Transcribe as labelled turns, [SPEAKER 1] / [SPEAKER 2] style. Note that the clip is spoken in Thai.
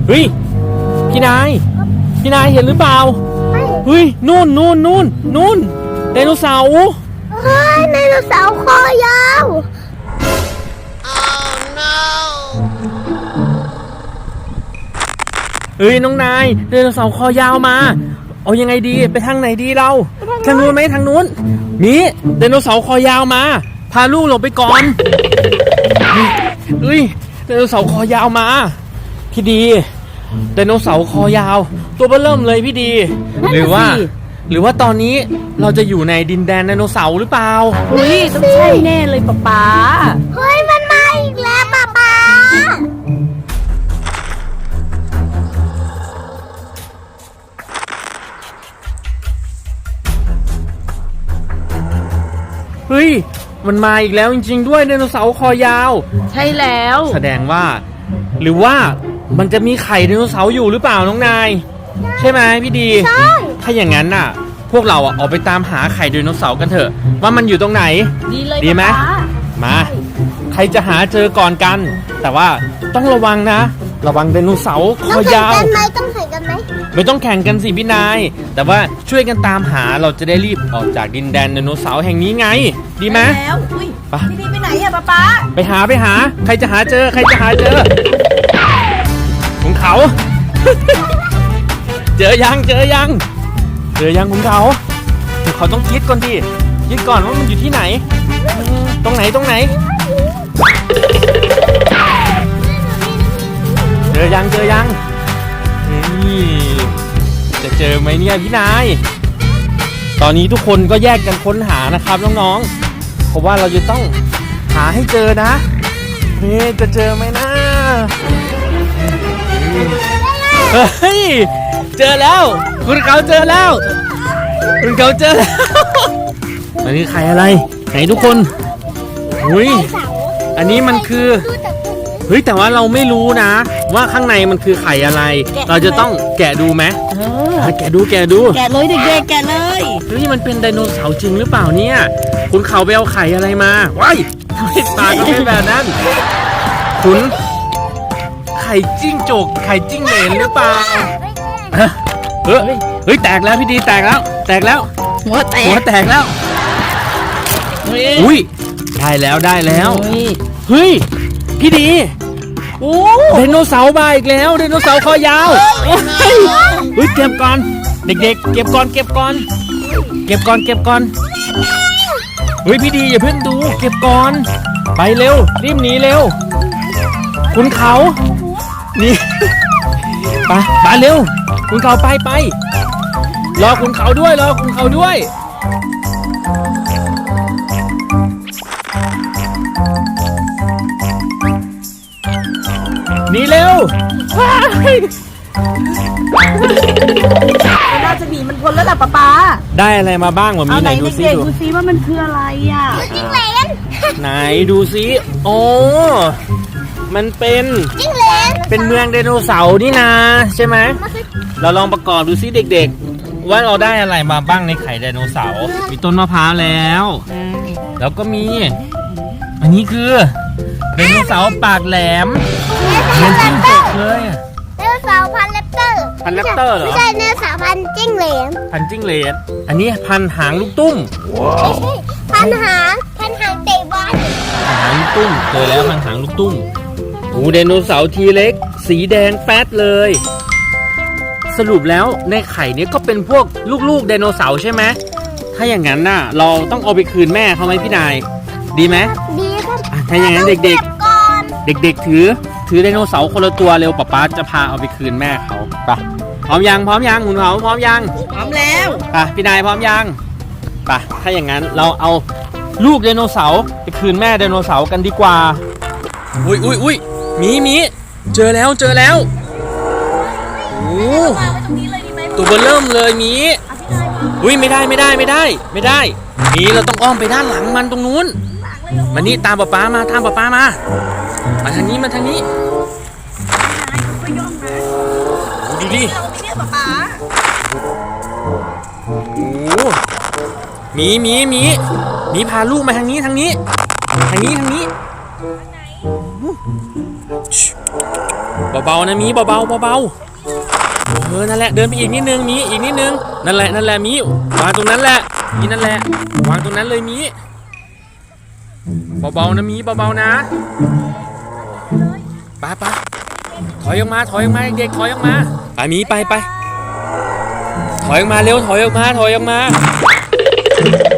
[SPEAKER 1] เฮ้ยพี่นายเห็นหรือเปล่าเฮ้ยนู่นไดโนเสาร์
[SPEAKER 2] เฮ้ยไดโนเสาร์คอยาว
[SPEAKER 1] เฮ้ยน้องนายไดโนเสาร์คอยาวมาเอายังไงดีไปทางไหนดีเราทางนู้นไหมทางนู้นนี่ไดโนเสาร์คอยาวมาพาลูกหลบไปก่อนเฮ้ยไดโนเสาร์คอยาวมาพี่ดีไดโนเสาร์คอยาวตัวเบ้อเริ่มเลยพี่ดีหรือว่าตอนนี้เราจะอยู่ในดินแดนไดโนเสาร์หรือเปล่า
[SPEAKER 3] อุ้ยต้องใช่แน่เลยป๊า
[SPEAKER 2] เฮ้ยมันมาอีกแล้วป๊า
[SPEAKER 1] เฮ้ยมันมาอีกแล้วจริงๆด้วยไดโนเสาร์คอยาว
[SPEAKER 3] ใช่แล้ว
[SPEAKER 1] แสดงว่าหรือว่ามันจะมีไข่ไดโนเสาร์อยู่หรือเปล่าน้องนายใช่ไหมพี่ดี
[SPEAKER 2] ใช่
[SPEAKER 1] ถ้าอย่างนั้นน่ะพวกเราออกไปตามหาไข่ไดโนเสาร์กันเถอะว่ามันอยู่ตรงไหน
[SPEAKER 3] ดีเลย
[SPEAKER 1] ดีไหมมาใครจะหาเจอก่อนกันแต่ว่าต้องระวังนะระวังไดโนเสาร์คอยาว
[SPEAKER 2] ต้องแข่งกันไหม
[SPEAKER 1] ไม่ต้องแข่งกันสิพี่นายแต่ว่าช่วยกันตามหาเราจะได้รีบออกจากดินแดนไดโนเสาร์แห่งนี้ไงดีไหม
[SPEAKER 3] แล้วอุ้ยพี่ดีไปไหนอะป๊า
[SPEAKER 1] ไปหาใครจะหาเจอคุณเขา เจอยังคุณเขาต้องคิดก่อนดิคิดก่อนว่ามันอยู่ที่ไหนตรงไหนเจอยังนี่จะเจอไหมเนี่ยพี่นายตอนนี้ทุกคนก็แยกกันค้นหานะครับน้องๆเพราะว่าเราจะต้องหาให้เจอนะนี่จะเจอไหมนะเฮ้ยเจอแล้วคุณเขาเจอแล้วอันนี้ไข่อะไรไหนทุกคนอุ้ยอันนี้มันคือเฮ้ยแต่ว่าเราไม่รู้นะว่าข้างในมันคือไข่อะไรเราจะต้องแกะดูไหมแกะดู
[SPEAKER 3] แกะเลยเด็กๆแกะเลย
[SPEAKER 1] เฮ้ยมันเป็นไดโนเสาร์จริงหรือเปล่าเนี่ยคุณเขาไปเอาไข่อะไรมาว้ายทำไมตาก็เป็นแบบนั้นคุณไข่จิ้งจกไข่จิ้งเหลนหรือเปล่าเฮ้ยแตกแล้วพี่ดีแตกแล้ว
[SPEAKER 3] หัวแตก
[SPEAKER 1] แล้วอุ้ยได้แล้วเฮ้ยพี่ดีโอ้ไดโนเสาร์มาอีกแล้วไดโนเสาร์คอยาวเฮ้ยเก็บก่อนเด็กๆเก็บก่อนเฮ้ยพี่ดีอย่าเพิ่งดูเก็บก่อนไปเร็วรีบหนีเร็วคุณเขานี่ไปเร็วคุณเขาไปรอคุณเขาด้วยหนีเร็ว
[SPEAKER 3] น่าจะหนีมันพ้นแล้วล่ะป๊า
[SPEAKER 1] ได้อะไรมาบ้างวะมีไหนดูซิ
[SPEAKER 3] ว่ามันคืออะไรอ่ะ
[SPEAKER 2] จิ้งเหลน
[SPEAKER 1] ไหนดูซิโอ้มันเป็น
[SPEAKER 2] จิ้งเหลน
[SPEAKER 1] เป็นเมืองไดโนเสาร์นี่นะใช่ไหมเราลองประกอบดูซิเด็กๆว่าเราได้อะไรมาบ้างในไข่ไดโนเสาร์มีต้นมะพร้าวแล้วก็มีอันนี้คือไดโนเสาร์ปากแหลมเหมือนจิ้งจกเลย
[SPEAKER 2] ไดโนเสาร์พันแรปเตอร์
[SPEAKER 1] เหรอ
[SPEAKER 2] ไม่ใช่ไดโนเสาร์พันจิ้งเหลน
[SPEAKER 1] อันนี้พันหางลูกตุ้ม
[SPEAKER 2] ไม่ใช่พันหางเตะบอล
[SPEAKER 1] หางลูกตุ้มเจอแล้วพันหางลูกตุ้มโอ้ไดโนเสาร์ทีเล็กสีแดงแป๊ดเลยสรุปแล้วในไข่นี้ก็เป็นพวกลูกไดโนเสาร์ใช่ไหมถ้าอย่างนั้นน่ะเราต้องเอาไปคืนแม่เขาไหมพี่นายดีไหม
[SPEAKER 2] ดีครับ
[SPEAKER 1] ถ้าอย่างนั้นเด็กถือไดโนเสาร์คนละตัวเร็วป๊าจะพาเอาไปคืนแม่เขาไปพร้อมยังคุณเขาพร้อมยัง
[SPEAKER 3] พร้อมแล้ว
[SPEAKER 1] ไปพี่นายพร้อมยังไปถ้าอย่างนั้นเราเอาลูกไดโนเสาร์ไปคืนแม่ไดโนเสาร์กันดีกว่าอุ้ยมีเจอแล้วโอ้ตัวเบลเริ่มเลยมีอุ้ยไม่ได้มีเราต้องอ้อมไปด้านหลังมันตรงนู้นมานี่ตามป๊ามาทางนี้ดูดิโอ้มีพาลูกมาทางนี้เบาๆนะมีเบาๆเบาๆนั่นแหละเดินไปอีกนิดนึงมีอีกนิดนึงนั่นแหละมีวางตรงนั้นแหละมีนั่นแหละวางตรงนั้นเลยมีเบาๆนะมีเบาๆนะไปถอยออกมาเด็กๆถอยออกมาไปมีไปถอยออกมาเร็วถอยออกมา